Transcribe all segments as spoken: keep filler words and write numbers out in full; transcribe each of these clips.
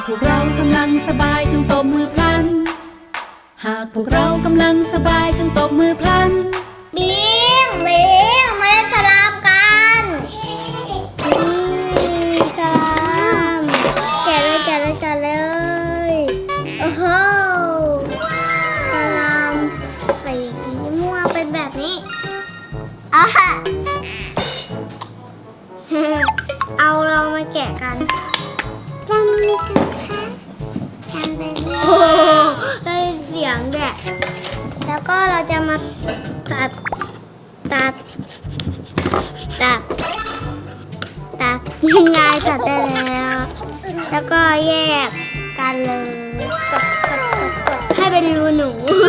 พวกเรากำลังสบายจงตบมือพลันหากพวกเรากำลังสบายจงตบมือพลันบิงบิงมาเล่นสลามกันสลามแกะเลยแกะเลยแกะเลยโอ้โหสลามสีม่วงเป็นแบบนี้อ่ะเอาเรามาแกะกันทำกันค่ะทำเป็นโอ้ได้เสียงแบบแล้วก็เราจะมาตัดตัดตัดตัดง่ายตัดได้แล้วแล้วก็แยกกันเลยให้เป็นรูหนู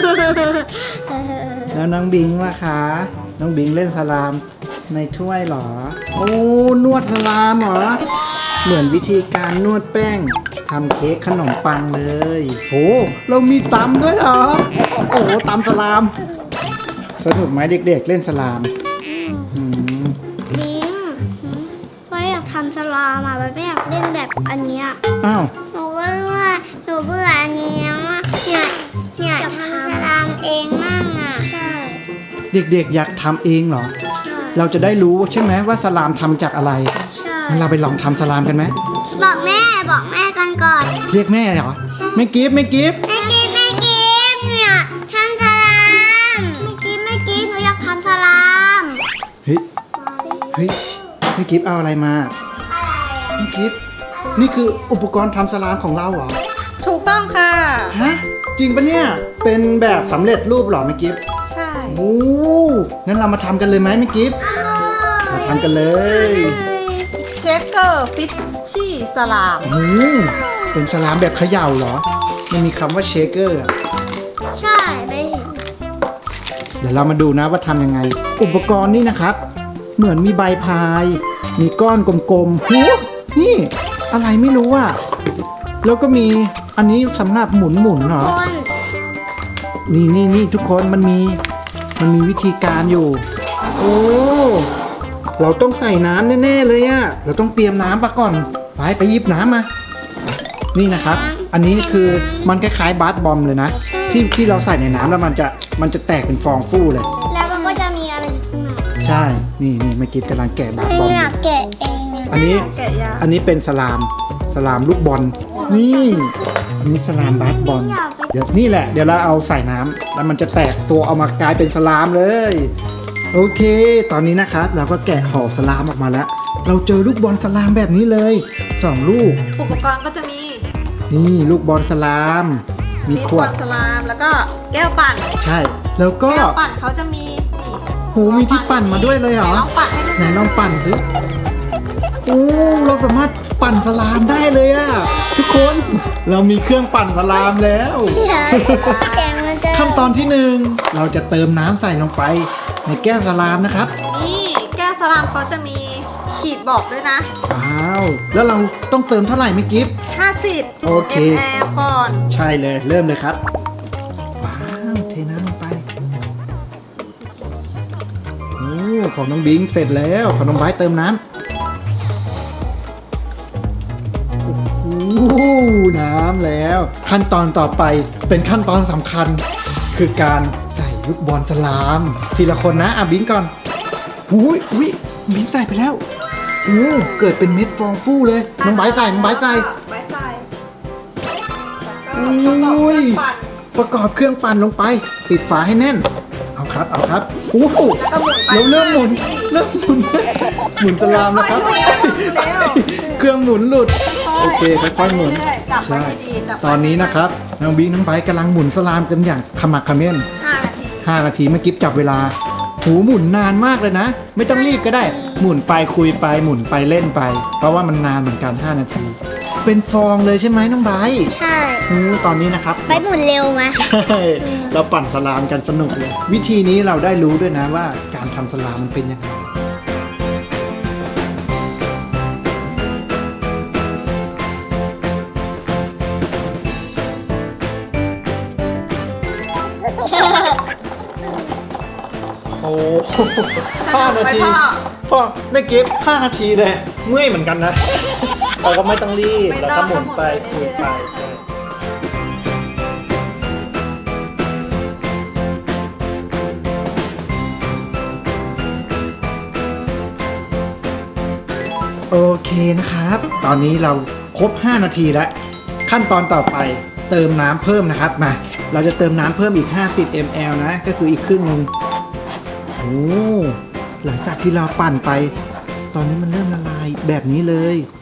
แล้วน้องบิงล่ะคะน้องบิงเล่นสลามในถ้วยเหรอโอ้นวดสลามเหรอเหมือนวิธีการนวดแป้งทำเค้กขนมปังเลยโหเรามีตำด้วยเหรอโอ้ตำสลามสนุกไหมเด็กๆเล่นสลามอืมบิงว่าอยากทำสลามอ่ะไม่อยากเล่นแบบอันเนี้ยอ้าวหนูก็ว่าหนูเบื่ออันนี้แล้วอ่ะเนี่ยเนี่ยอยากทำสลามเองมั่งอ่ะใช่เด็กๆอยากทำเองเหรอเราจะได้รู้ใช่ไหมว่าสลามทำจากอะไรใช่งั้นเราไปลองทำสลามกันไหมบอกแม่บอกแม่กันก่อนเรียกแม่เหรอไม่กิฟไม่กิฟไม่กิฟไม่กิฟเนี่ยทำสลามไม่กิฟไม่กิฟหนูอยากทำสลามเฮ้ยเฮ้ยไม่กิฟเอาอะไรมาไม่กิฟนี่คืออุปกรณ์ทำสลามของเราเหรอถูกต้องค่ะฮะจริงปะเนี่ยเป็นแบบสำเร็จรูปเหรอไม่กิฟใช่โอ้งั้นเรามาทำกันเลยไหมไม่กิฟมาทำกันเลยเชคเกอร์ฟิชชี่สลามอืมเป็นสลามแบบเขย่าเหรอมันมีคำว่าเชคเกอร์ใช่ไม่เห็นเดี๋ยวเรามาดูนะว่าทำยังไงอุปกรณ์นี่นะครับเหมือนมีใบพายมีก้อนกลมๆหูนี่อะไรไม่รู้อ่ะแล้วก็มีอันนี้สำหรับหมุนหมุนเหรอนี่นี่นี่ทุกคนมันมีมันมีวิธีการอยู่โอ้เราต้องใส่น้ำแน่ๆเลยอะเราต้องเตรียมน้ำมาก่อนไปไปหยิบน้ำมานี่นะครับอันนี้คือมันคล้ายๆบาสบอมเลยนะที่ที่เราใส่ในน้ำแล้วมันจะมันจะแตกเป็นฟองฟู่เลยแล้วมันก็จะมีอะไรขึ้นมาใช่นี่นี่เมื่อกี้กำลังแกะบาสบอมอยากแกะเองอันนี้อันนี้เป็นสลามสลามลูกบอลนี่อันนี้สลามบาสบอลเดี๋ยวนี่แหละเดี๋ยวเราเอาใส่น้ำแล้วมันจะแตกตัวเอามากลายเป็นสลามเลยโอเคตอนนี้นะครับเราก็แกะห่อสลามออกมาแล้วเราเจอลูกบอลสลามแบบนี้เลยสองลูกอุปกรณ์ก็จะมีนี่ลูกบอลสลามมีขวดสลามแล้วก็แก้วปั่นใช่แล้วก็แก้วปั่นเขาจะมีโหมีที่ปั่นมาด้วยเลยเหรอไหนลองปั่นสิโอ้เราสามารถปั่นสลามได้เลยอะทุกคนเรามีเครื่องปั่นสลามแล้วขั้นตอนที่หนึ่งเราจะเติมน้ำใส่ลงไปในแก้วสลามนะครับนี่แก้วสลามเขาจะมีขีดบอกด้วยนะว้าวแล้วเราต้องเติมเท่าไหร่ไม่กิฟต์ห้าสิบโอเคมลก่อนใช่เลยเริ่มเลยครับว้าวเทน้ำลงไปโอ้ของน้องบิงเสร็จแล้วของน้องไบร์ทเติมน้ำโอ้น้ำแล้วขั้นตอนต่อไปเป็นขั้นตอนสำคัญคือการใส่ลูกบอลสลามทีละคนนะอ่ะบิงก่อนหูยอุ้ยบิงใส่ไปแล้วโอ้เกิดเป็นเม็ดฟองฟู่เลยน้องไบร์ทใส่น้องไบร์ทใส่ไบร์ทใส่โอ้ยประกอบเครื่องปั่นลงไปปิดฝาให้แน่นเอาครับเอาครับโอ้โหเราเริ่มหมุนเริ่มหมุนหมุนสลามนะครับเครื่องหมุนหลุดโอเคค่อยๆหมุนใช่ตอนนี้นะครับน้องบิงน้องไบร์ทกำลังหมุนสลามกันอย่างขมักเขม้นห้านาทีเมื่อกี้จับเวลาหูหมุนนานมากเลยนะไม่ต้องรีบก็ได้หมุนไปคุยไปหมุนไปเล่นไปเพราะว่ามันนานเหมือนกันห้านาทีเป็นฟองเลยใช่ไหมน้องไบร์ทใช่ตอนนี้นะครับไปหมุนเร็วไหมใช่เราปั่นสลามกันสนุกเลยวิธีนี้เราได้รู้ด้วยนะว่าการทำสลามมันเป็นยังไงโอ้ห้านาทีพ่อไม่เก็บห้านาทีเลยเมื่อยเหมือนกันนะเราก็ไม่ต้องรีบไม่เราต้ก็องหมุนไปก็หหมุมุนนไปไปใช่โอเคนะครับ ตอนนี้เราครบห้านาทีแล้ว ขั้นตอนต่อไปเติมน้ำเพิ่มนะครับมาเราจะเติมน้ำเพิ่มอีกห้าสิบมิลลิลิตร นะ ก็คืออีกครึ่งหนึ่งโอ้หลังจากที่เราปั่นไป ตอนนี้มันเริ่มละลายแบบนี้เลย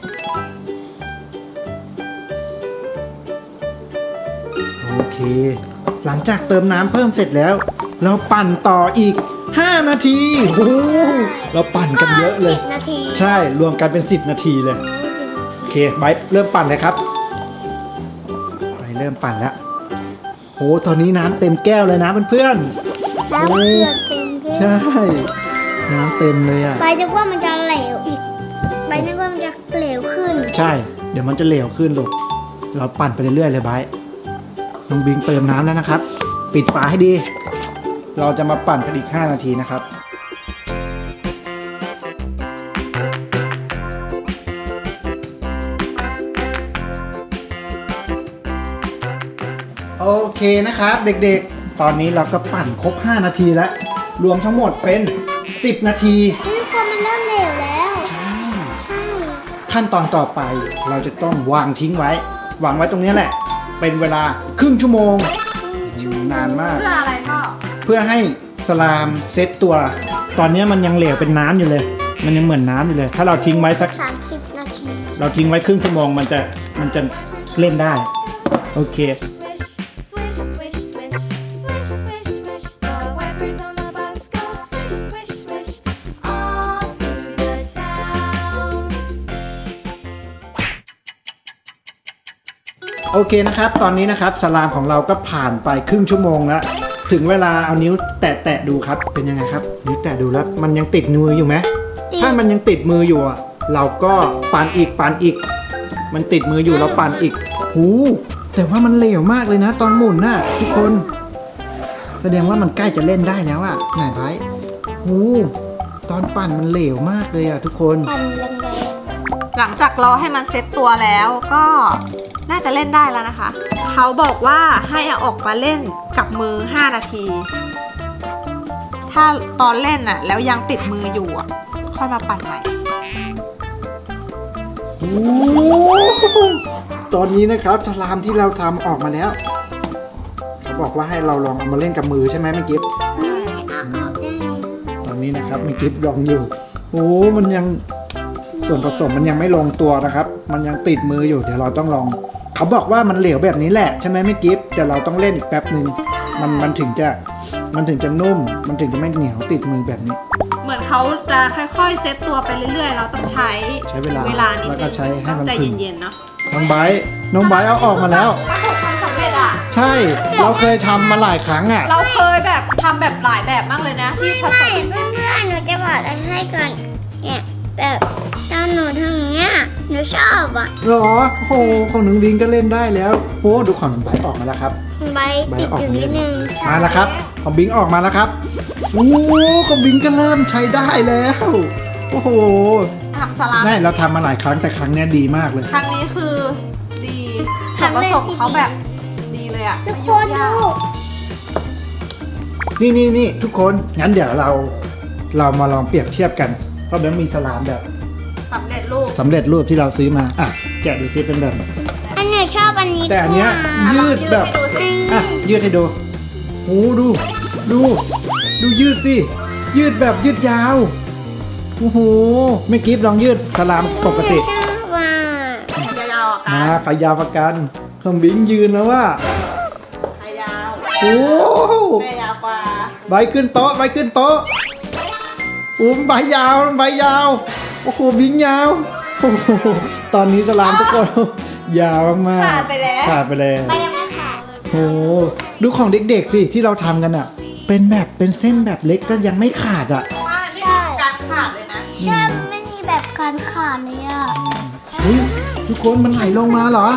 โอเค หลังจากเติมน้ำเพิ่มเสร็จแล้ว เราปั่นต่ออีกห้านาทีโอ้เราปั่นกันเยอะเลยสิบนาทีใช่รวมกันเป็นสิบนาทีเลยโอเคไบร์ทเริ่มปั่นเลยครับไบร์ทเริ่มปั่นแล้วโหตอนนี้น้ำเต็มแก้วเลยนะเพื่อนน้ำเกลือเต็มๆใช่น้ำเต็มเลยอ่ะใบนึกว่ามันจะเหลวอีกใบนึกว่ามันจะเหลวขึ้นใช่ เดี๋ยวมันจะเหลวขึ้นลูกเราปั่นไปเรื่อยๆเลยไบร์ทน้องบิงเติมน้ำแล้วนะครับ ปิดฝาให้ดี เราจะมาปั่นกันอีกห้านาทีนะครับโอเคนะครับเด็กๆ ตอนนี้เราก็ปั่นครบห้านาทีแล้ว รวมทั้งหมดเป็นสิบนาทีทุกคนมันเริ่มเหลวแล้วใช่ใช่ขั้นตอนต่อไปเราจะต้องวางทิ้งไว้ วางไว้ตรงนี้แหละ เป็นเวลาครึ่งชั่วโมงนานมากเพื่ออะไรพ่อเพื่อให้สลามเซตตัว ตอนนี้มันยังเหลวเป็นน้ำอยู่เลย มันยังเหมือนน้ำอยู่เลย ถ้าเราทิ้งไว้สักสามสิบนาทีเราทิ้งไว้ครึ่งชั่วโมงมันจะมันจะเล่นได้ โอเค Swish, swish, swish, swish, swish, swish. The wipers on the bus go swish, swish, swish all through the town. โอเคนะครับ ตอนนี้นะครับสลามของเราก็ผ่านไปครึ่งชั่วโมงแล้ว ถึงเวลาเอานิ้วแตะแตะดูครับ เป็นยังไงครับ นิ้วแตะดูแล้ว มันยังติดมืออยู่ไหมติดถ้ามันยังติดมืออยู่อะเราก็ปั่นอีกปั่นอีก มันติดมืออยู่เราปั่นอีกหูแต่ว่ามันเหลวมากเลยนะ ตอนหมุนน่ะทุกคน แสดงว่ามันใกล้จะเล่นได้แล้วอะไหนไว้หูตอนปั่นมันเหลวมากเลยอะทุกคนปั่นแรงหลังจากรอให้มันเซ็ตตัวแล้วก็น่าจะเล่นได้แล้วนะคะ เขาบอกว่าให้เอาออกมาเล่นกับมือห้านาที ถ้าตอนเล่นน่ะแล้วยังติดมืออยู่อ่ะค่อยมาปั่นใหม่โอ้ตอนนี้นะครับสลามที่เราทำออกมาแล้ว เขาบอกว่าให้เราลองเอามาเล่นกับมือใช่ไหมเมื่อกี้ๆไม่เอาออกได้ตอนนี้นะครับเมื่อกี้ลองอยู่โอ้มันยังส่วนผสมมันยังไม่ลงตัวนะครับ มันยังติดมืออยู่เดี๋ยวเราต้องลอง เขาบอกว่ามันเหลวแบบนี้แหละใช่ไหมไม่กิฟแต่เราต้องเล่นอีกแป๊บหนึ่งมันมันถึงจะมันถึงจะนุ่ม มันถึงจะไม่เหนียวติดมือแบบนี้เหมือนเขาจะค่อยๆเซ็ตตัวไปเรื่อยๆ เราต้องใช้ใช้เวลาเวลานิดแล้วก็นึงใช้ให้มันใจพึ่งเย็นๆเนาะน้องไบร์ทน้องไบร์ทเอาออกมาแล้วประสบความสำเร็จอ่ะใช่เราเคยทำมาหลายครั้งอ่ะเราเคยแบบทำแบบหลายแบบมากเลยนะที่ผสไม่มเพื่อนๆหนูจะบอกอะไรให้ก่อนเนี่ยแบบตอนหนูทำอย่างเงี้ยหนูชอบอ่ะหรอโอ้โหของน้องลิงก็เล่นได้แล้วโอ้ดูของน้องไบร์ทออกมาแล้วครับใบติดอยู่นิดนึงมาแล้วครับของบิงออกมาแล้วครับโอ้ของบิงก็เริ่มใช้ได้แล้วโอ้โหทำสลัดใช่เราทำมาหลายครั้งแต่ครั้งเนี้ยดีมากเลยครั้งนี้คือดีส่วนผสมเขาแบบดีเลยอ่ะทุกคนดูนี่นี่นี่ทุกคนงั้นเดี๋ยวเราเรามาลองเปรียบเทียบกันเพราะแบงค์มีสลามแบบสำเร็จรูปสำเร็จรูปที่เราซื้อมาอ่ะแกะดูซิเป็นแบบไหนอันเนี้ยชอบอันนี้แต่อันเนี้ยกว่ายืดแบบให้ดูสิอ่ะยืดให้ดูโอ้ดู ดู ดูยืดสิ ยืดแบบยืดยาว โอ้โห ไม่กิฟลองยืดสลามปกติชอบว่ายาวๆอ่ะมาค่ะขายาวประกันเครื่องบินยืนแล้วว่าใครยาวโอ้แม่ยาวกว่าใบขึ้นโต๊ะใบขึ้นโต๊ะอุ้มใบยาวใบยาว โอ้โหบิงยาว โอ้โห ตอนนี้สลามทุกคน ยาวมากขาดไปแล้วขาดไปแล้วไปยังไม่ขาดโอ้โหดูของเด็กๆสิที่เราทำกันอ่ะ เป็นแบบเป็นเส้นแบบเล็กก็ยังไม่ขาดอ่ะว่าไม่มีการขาดเลยนะใช่ไม่มีแบบการขาดเลยอ่ะอุ้ยทุกคนมันไหลลงมาเหรอ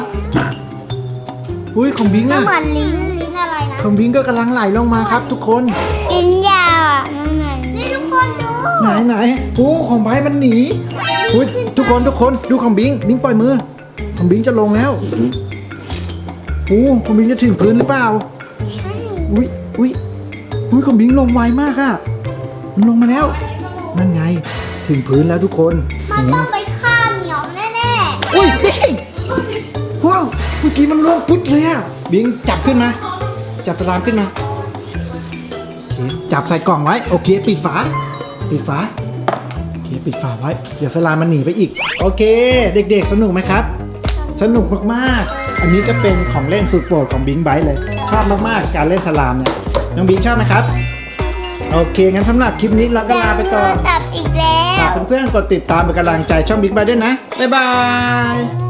อุ้ยของบิงก็อะเหมือนลิ้นลิ้นอะไรนะของบิงก็กำลังไหลลงมาครับ ทุกคนลิ้นยาวอ่ะมันเหมือนนี่ทุกคนดูไหนไหนโอ้ของไบร์ทมันหนีอุ้ยทุกคนทุกคนดูของบิงบิงปล่อยมือของบิงจะลงแล้วโอ้ของบิงจะถึงพื้นหรือเปล่าใช่อุ้ยอุ้ยอุ้ยของบิงลงไวมากอะมันลงมาแล้วนั่นไงถึงพื้นแล้วทุกคนมันต้องไปฆ่าเหมียวแน่อุ้ยบิงว้าวเมื่อกี้มันลงปุ๊บเลยอะบิงจับขึ้นมาจับสลามขึ้นมาโอเคจับใส่กล่องไว้โอเคปิดฝาปิดฝาโอเคปิดฝาไว้เดี๋ยวสลามมันหนีไปอีกโอเค เด็กๆสนุกไหมครับ สนุกมากๆอันนี้ก็เป็นของเล่นสุดโปรดของบิงไบท์เลยชอบมากๆการเล่นสลามเนี่ยน้องบิงชอบไหมครับโอเคงั้นสำหรับคลิปนี้เราๆก็ลาไปก่อนจับอีกแล้ฝาว กเพื่อนๆกดติดตามเป็นกำลังใจช่องบิ๊กไบท์ด้วยนะบ๊ายบาย